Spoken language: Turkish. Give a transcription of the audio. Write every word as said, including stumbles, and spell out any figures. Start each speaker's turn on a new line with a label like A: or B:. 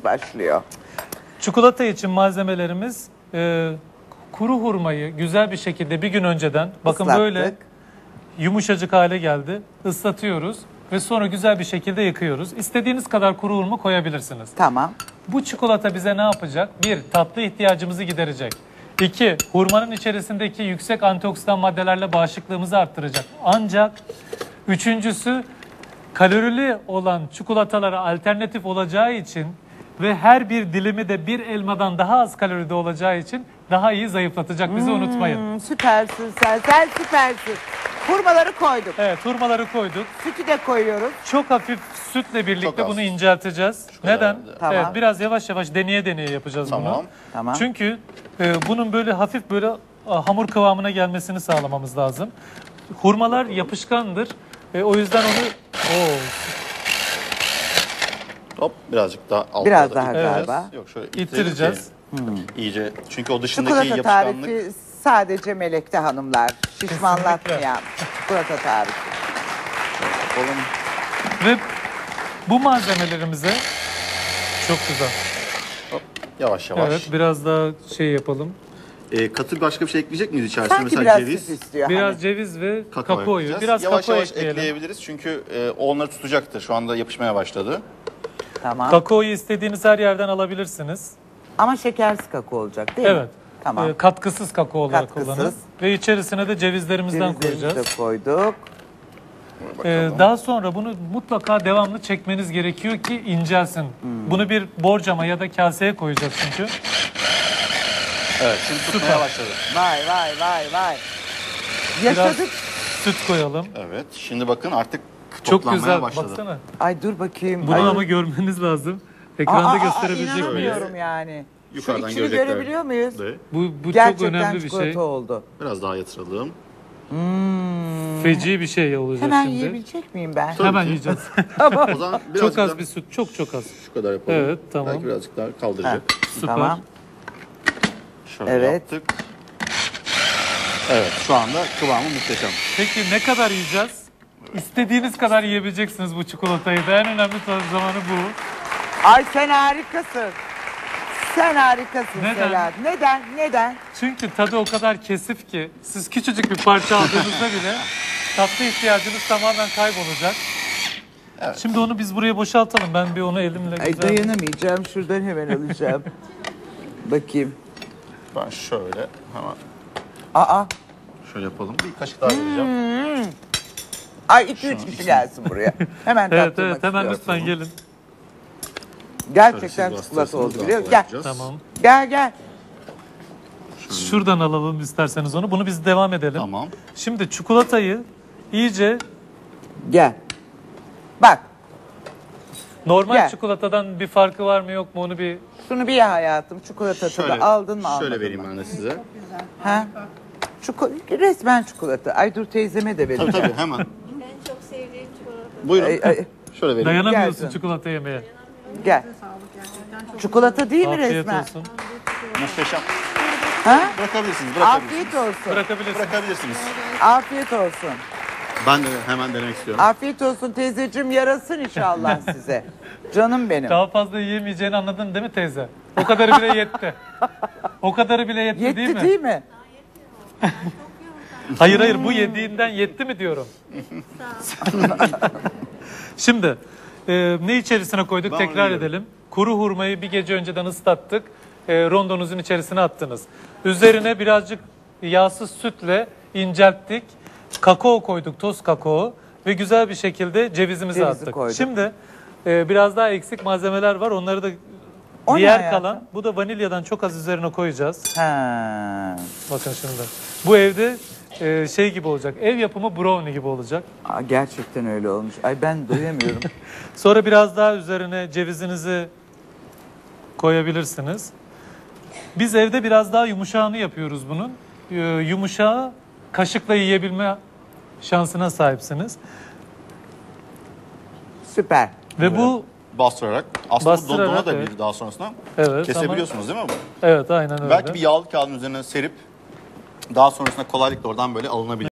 A: başlıyor.
B: Çikolata için malzemelerimiz e, kuru hurmayı güzel bir şekilde bir gün önceden bakın
A: Islattık.
B: böyle yumuşacık hale geldi. Islatıyoruz ve sonra güzel bir şekilde yıkıyoruz. İstediğiniz kadar kuru hurma koyabilirsiniz.
A: Tamam.
B: Bu çikolata bize ne yapacak? Bir, tatlı ihtiyacımızı giderecek. İki, hurmanın içerisindeki yüksek antioksidan maddelerle bağışıklığımızı arttıracak. Ancak üçüncüsü kalorili olan çikolatalara alternatif olacağı için ve her bir dilimi de bir elmadan daha az kaloride olacağı için daha iyi zayıflatacak. Bizi unutmayın.
A: Hmm, süpersin sen. Sen süpersin. Hurmaları koyduk.
B: Evet, hurmaları koyduk.
A: Sütü de koyuyoruz.
B: Çok hafif sütle birlikte
C: Çok az.
B: bunu incelteceğiz.
C: Şu kadar
B: Neden?
C: herhalde.
A: Tamam.
B: Evet, biraz yavaş yavaş deneye deneye yapacağız
C: Tamam.
B: bunu.
A: Tamam.
B: Çünkü e, bunun böyle hafif böyle a, hamur kıvamına gelmesini sağlamamız lazım. Hurmalar yapışkandır. E, o yüzden onu Oo,
C: Hop birazcık daha altta.
A: Biraz
C: da
A: daha
C: ittireceğiz.
A: galiba.
C: Yok şöyle
B: İttireceğiz.
C: ittirelim ki İyice. Çünkü o dışındaki
A: Çikolata
C: yapışkanlık.
A: tarifi sadece Melek'te hanımlar. Şişmanlatmayan çikolata tarifi.
C: Oğlum,
B: ve bu malzemelerimize çok güzel.
C: hop, yavaş yavaş.
B: Evet, biraz daha şey yapalım.
C: Ee, katı başka bir şey ekleyecek miyiz içerisine?
A: Sanki
C: Mesela
A: biraz
C: ceviz,
A: süt istiyor.
B: Biraz
A: hani.
B: ceviz ve
C: kakao
B: kakaoyu.
C: ekleyeceğiz.
B: Biraz
C: yavaş
B: kakao
C: yavaş
B: ekleyelim.
C: ekleyebiliriz çünkü e, o onları tutacaktır. Şu anda yapışmaya başladı.
A: Tamam.
B: Kakaoyu istediğiniz her yerden alabilirsiniz.
A: Ama şekersiz kakao olacak değil mi?
B: Evet.
A: Tamam.
B: E, katkısız kakao olarak
A: Katkısız.
B: kullanın. Ve içerisine de cevizlerimizden
A: Cevizlerimizi
B: koyacağız.
A: de koyduk.
B: Ee,
C: Bakalım.
B: daha sonra bunu mutlaka devamlı çekmeniz gerekiyor ki incelsin.
A: Hmm.
B: Bunu bir borcama ya da kaseye koyacağız çünkü.
C: Evet şimdi tutmaya başladı.
A: Vay vay vay vay. Yaşadık.
B: Süt koyalım.
C: Evet şimdi bakın artık
B: Çok
C: toplanmaya
B: güzel.
C: başladı.
B: Baksana.
A: Ay dur bakayım.
B: Bunu
A: Ay.
B: ama görmeniz lazım. Ekranda
A: Aa, aa,
B: gösterebilecek miyiz?
A: inanamıyorum yani.
C: Yukarıdan
A: Şu içini
C: görecekler.
A: görebiliyor muyuz?
C: De.
B: Bu, bu çok
A: Gerçekten
B: önemli bir
A: çikolata
B: şey.
A: oldu.
C: Biraz daha yatıralım.
B: Feci bir şey olacak
A: Hemen
B: şimdi.
A: yiyebilecek miyim ben?
C: Tabii
B: Hemen
C: ki.
B: yiyeceğiz.
C: O zaman birazcık
B: çok az
C: daha-
B: bir süt. Çok çok az.
C: Şu kadar yapalım.
B: Evet, tamam.
C: Belki birazcık daha kaldıracak.
B: Süper.
A: Tamam.
C: Şöyle
A: Evet.
C: yaptık. Evet şu anda kıvamı muhteşem.
B: Peki ne kadar yiyeceğiz? İstediğiniz kadar yiyebileceksiniz bu çikolatayı. Da en önemli zamanı bu.
A: Ay sen harikasın. Sen harikasın
B: Neden?
A: Selahat. Neden? Neden?
B: Çünkü tadı o kadar kesif ki siz küçücük bir parça aldığınızda bile tatlı ihtiyacınız tamamen kaybolacak.
C: Evet.
B: Şimdi onu biz buraya boşaltalım. Ben bir onu elimle
A: Ay
B: güzel...
A: dayanamayacağım. Şuradan hemen alacağım. Bakayım.
C: Ben şöyle hemen
A: Aa.
C: şöyle yapalım. Bir kaşık daha vereceğim.
A: Ay iki üç kişi gelsin buraya. Hemen
B: Evet
A: tattırmak
B: evet hemen
A: istiyorum.
B: lütfen gelin.
A: Gerçekten
C: Şöyle siz
A: çikolata
C: bastırırsanız
A: oldu biliyor
C: daha
A: musun? Gel.
C: kolay yapacağız.
B: Tamam.
A: Gel gel.
B: Şuradan alalım isterseniz onu. Bunu biz devam edelim.
C: Tamam.
B: Şimdi çikolatayı iyice
A: Gel. Bak.
B: normal
A: Gel.
B: çikolatadan bir farkı var mı yok mu onu bir...
A: Şunu bir ye hayatım. Çikolata tadı aldın mı almadın
C: Şöyle vereyim
A: mı?
C: ben de size.
A: Ha? Çiko resmen çikolata. Ay dur teyzeme de
C: Tabii
A: verin.
C: tabii hemen.
D: En çok sevdiğim çikolata.
C: Buyurun.
A: Ay, ay,
C: Şöyle vereyim.
B: Dayanamıyorsun
A: Gelsin.
B: çikolata yemeye.
A: gel. Çikolata değil mi
B: Afiyet
A: resmen?
B: olsun.
C: Muhteşem.
A: Ha?
C: Bırakabilirsiniz. Bırakabilirsiniz.
A: Afiyet olsun.
B: Bırakabilirsin.
C: Bırakabilirsiniz.
A: Afiyet olsun.
C: Ben de hemen denemek istiyorum.
A: Afiyet olsun teyzeciğim, yarasın inşallah size. Canım benim.
B: Daha fazla yiyemeyeceğini anladın değil mi teyze? O kadarı bile yetti. O kadarı bile yetti,
A: Yetti
B: değil mi?
A: değil mi?
B: Hayır hayır bu yediğinden yetti mi diyorum. Şimdi e, ne içerisine koyduk
C: Ben
B: tekrar
C: onu
B: edelim. Kuru hurmayı bir gece önceden ıslattık. E, rondonuzun içerisine attınız. Üzerine birazcık yağsız sütle incelttik. Kakao koyduk, toz kakao ve güzel bir şekilde cevizimizi
A: Cevizi
B: attık.
A: koyduk.
B: Şimdi e, biraz daha eksik malzemeler var. Onları da
A: O ne
B: diğer
A: hayatım?
B: kalan bu da vanilyadan çok az üzerine koyacağız.
A: Ha.
B: Bakın şimdi. Bu evde e, şey gibi olacak. Ev yapımı brownie gibi olacak.
A: Aa, gerçekten öyle olmuş. Ay ben duyamıyorum.
B: Sonra biraz daha üzerine cevizinizi koyabilirsiniz. Biz evde biraz daha yumuşağını yapıyoruz bunun. Ee, yumuşağı kaşıkla yiyebilme şansına sahipsiniz.
A: Süper.
B: Ve bu
C: Bastırarak. Aslında
B: Bastırarak,
C: dona da
B: evet.
C: bir daha sonrasında
B: evet
C: kesebiliyorsunuz değil mi bu?
B: ama evet aynen öyle.
C: Belki bir yağlı kağıdın üzerine serip daha sonrasında kolaylıkla oradan böyle alınabilir.